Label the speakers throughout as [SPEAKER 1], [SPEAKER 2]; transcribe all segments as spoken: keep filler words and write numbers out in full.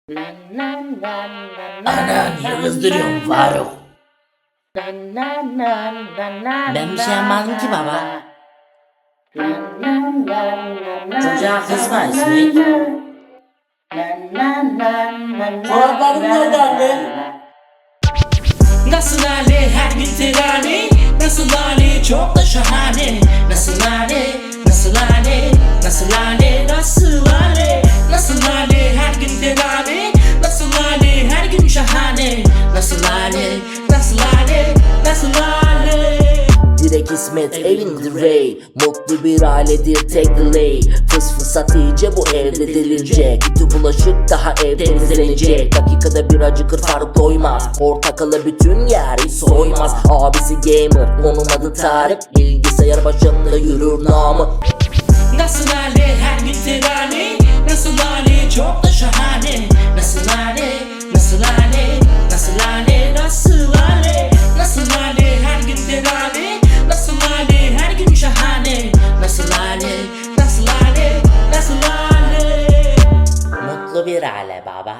[SPEAKER 1] Ana niye kızdırıyorsun Faruk? Ben bir şey yapmadım ki baba. Çocuğa kızma İsmet. Çoraplarım nerede anne?
[SPEAKER 2] Nasıl hali her gün terane, nasıl hali çok da şahane. Nasıl hali, nasıl hali, nasıl hali, nasıl hali, nasıl hali her gün terane, nasıl hali her gün şahane. Nasıl hali, nasıl hali, nasıl hali.
[SPEAKER 1] Direkt İsmet evinde Ray. Mutlu bir ailedir tek delay. Fıs fısat iyice bu evde delinecek. Bütün bulaşık daha ev temizlenecek. Dakikada bir acıkır Faruk doymaz. Portakalı bütün yer hiç soymaz. Abisi gamer onun adı Tarık. Bilgisayar başında yürür namı.
[SPEAKER 2] Nasıl hali her gün terane, nasıl hali çok da şahane. Nasıl hali, nasıl hali, nasıl hali, nasıl hali, nasıl hali her gün terane, nasıl hali her gün şahane. Nasıl hali, nasıl hali, nasıl hali.
[SPEAKER 1] Mutlu bir aile baba.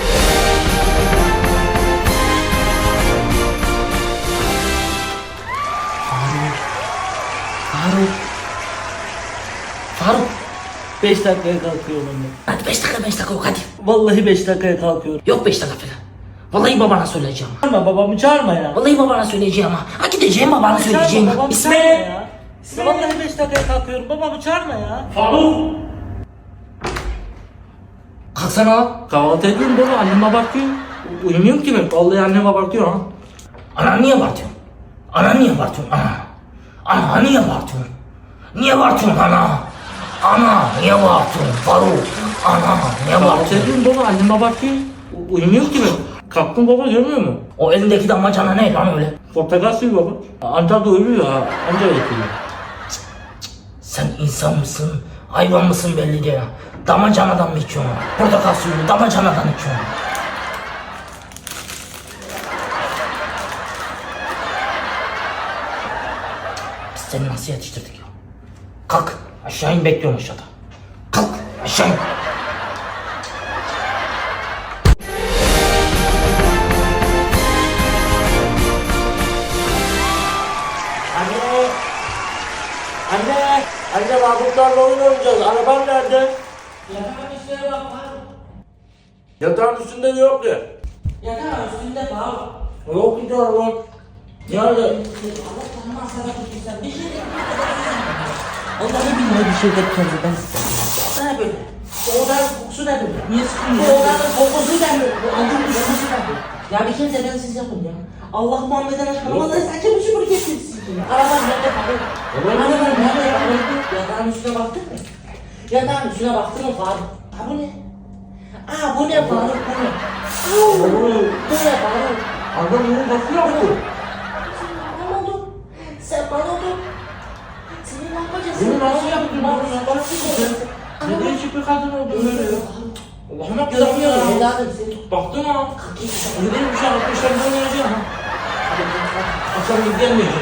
[SPEAKER 2] Faruk. Faruk. beş dakikaya kalkıyorum ben.
[SPEAKER 1] Hadi beş dakika beş dakika yok hadi.
[SPEAKER 2] Vallahi beş dakikaya kalkıyorum.
[SPEAKER 1] Yok beş dakika falan. Vallahi babana söyleyeceğim.
[SPEAKER 2] Çağırma babamı, çağırma ya.
[SPEAKER 1] Vallahi babana söyleyeceğim ha. Ha gideceğim babana söyleyeceğim.
[SPEAKER 2] Çağırma babamı,
[SPEAKER 1] İsmet.
[SPEAKER 2] çağırma ya. Ya vallahi beş dakikaya kalkıyorum. Babamı çağırma ya. Faruk.
[SPEAKER 1] Kalksana.
[SPEAKER 2] Kahvaltı ediyorum baba, annem abartıyor. U- Uyumuyorum ki ben. Vallahi annem abartıyor ha.
[SPEAKER 1] Ana niye abartıyorsun? Ana niye abartıyorsun? Ana. Ana niye abartıyorsun? Niye abartıyorsun ana? Ana niye abartıyorsun Faruk? Ana niye
[SPEAKER 2] Kahvaltı
[SPEAKER 1] abartıyorsun?
[SPEAKER 2] ediyorum baba, annem abartıyor. U- Uyumuyorum ki ben. Kalktım baba, görmüyor musun?
[SPEAKER 1] O elindeki damacana ne lan öyle?
[SPEAKER 2] Portakal suyu baba. Anca da uyuyor ha. Anca yatıyor.
[SPEAKER 1] Sen insan mısın? Hayvan mısın belli değil ha. Damacanadan mı içiyorsun? Portakal suyunu damacanadan içiyorsun. Biz seni nasıl yetiştirdik ya? Kalk aşağı in, bekliyorum aşağıda. Kalk aşağı in.
[SPEAKER 2] Anne! Anne! Anne Mahmutlarla oyun oynayacağız. Arabam nerede?
[SPEAKER 1] Yatağın üstüne bak Faruk.
[SPEAKER 2] Yatağın üstünde de yok ya.
[SPEAKER 1] Yatağın üstünde Faruk.
[SPEAKER 2] Yok ki arabam. Nerede?
[SPEAKER 1] Allah tanımaz sana tutmuşsan bir şey de onları bilmiyor bir şey de kendisi ben size. Ne böyle? Bu odanın kokusu ne böyle?
[SPEAKER 2] Niye
[SPEAKER 1] Bu
[SPEAKER 2] sıkılıyorsun?
[SPEAKER 1] odanın kokusu ne böyle? Bu odanın kokusu ne böyle? Ya bir kez de ben siz yapın ya. Allah Muhammed'den aşkına vallahi saçma bir şubur getirsin. Araban nerede Faruk? Araban nerede Faruk? Yatağın üstüne baktın mı? Yatağın üstüne baktın mı Faruk? Ha bu ne? Aa bu ne Faruk bu ne? Aa, bu ne Faruk?
[SPEAKER 2] Adam bunu nasıl yaptı?
[SPEAKER 1] Sen bana oldun. Sen bana oldun. Seni ne yapacağız?
[SPEAKER 2] Bunu nasıl yaptın?
[SPEAKER 1] Bana
[SPEAKER 2] Bunu nasıl yaptın? Ne değişik bir kadın oldu böyle ya. Allah'ım yaptı
[SPEAKER 1] Görmüyor
[SPEAKER 2] ya.
[SPEAKER 1] evladım seni.
[SPEAKER 2] Baktın ha. Ne değil bir şey yapmışlar bunu oynayacağım ha. Akşam gelmeyeceğim.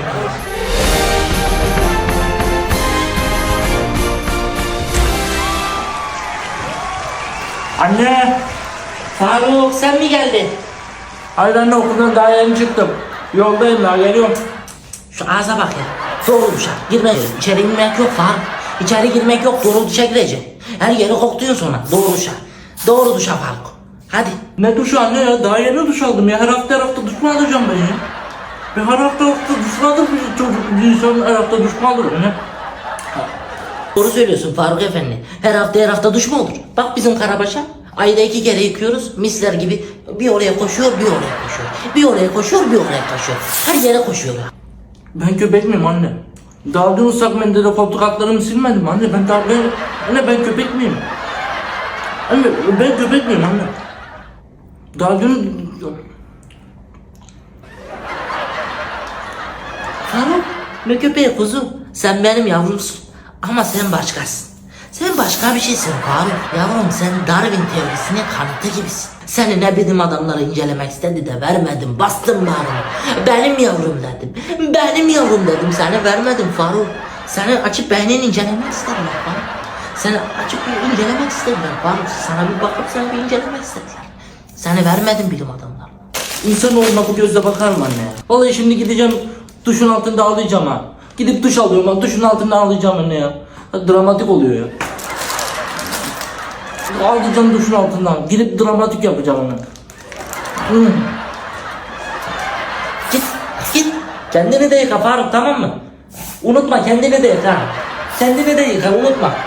[SPEAKER 2] Anne!
[SPEAKER 1] Faruk sen mi geldin?
[SPEAKER 2] Hayır anne, okuldan daha yeni çıktım. Yoldayım daha, geliyorum.
[SPEAKER 1] Şu ağza bak ya. Doğru duşa. Girme. İçeri girmek yok Faruk. İçeri girmek yok. Doğru duşa gireceksin. Her yeri kokluyorsun sonra. Doğru duşa. Doğru duşa Faruk. Hadi.
[SPEAKER 2] Ne duş anne ya? Daha yeni duş aldım ya. Her hafta her hafta duş mu alacağım ben ya? Ben her hafta hafta duş mu alır bir çocuk? Bir insan her hafta duş mu alır ne?
[SPEAKER 1] Doğru söylüyorsun Faruk Efendi. Her hafta her hafta duş mu olur? Bak bizim Karabaş'a. Ayda iki kere yıkıyoruz. Misler gibi bir oraya koşuyor, bir oraya koşuyor. Bir oraya koşuyor, bir oraya koşuyor. Her yere koşuyor.
[SPEAKER 2] Ben köpek miyim anne? Daha dün ıslak mendille koltuk altlarımı silmedim anne. Ben daha ben... Anne ben köpek miyim? Anne ben köpek miyim anne? Daha dün...
[SPEAKER 1] Faruk, ne köpeği kuzu? Sen benim yavrumsun. Ama sen başkasın. Sen başka bir şeysin Faruk. Yavrum sen Darwin teorisinin kanıtı gibisin. Seni ne bilim adamları incelemek istedi de vermedim. Bastım bağrını. Benim yavrum dedim. Benim yavrum dedim. Seni vermedim Faruk. Seni açıp beynini incelemek istedim Faruk. Seni açıp bir incelemek istediler Faruk. Sana bir bakıp seni bir incelemek istediler. Seni vermedim bilim adamlarına.
[SPEAKER 2] İnsanoğluna bu gözle bakar mı anne ya? Vallahi şimdi gideceğim duşun altında ağlayacağım ha. Gidip duş alıyorum bak duşun altında ağlayacağım anne ya. Ha, dramatik oluyor ya. Ağlayacağım duşun altından. Gidip dramatik yapacağım onu. Hmm.
[SPEAKER 1] Git git.
[SPEAKER 2] Kendini de yıka Faruk tamam mı? Unutma kendini de yıka. Kendini de yıka unutma.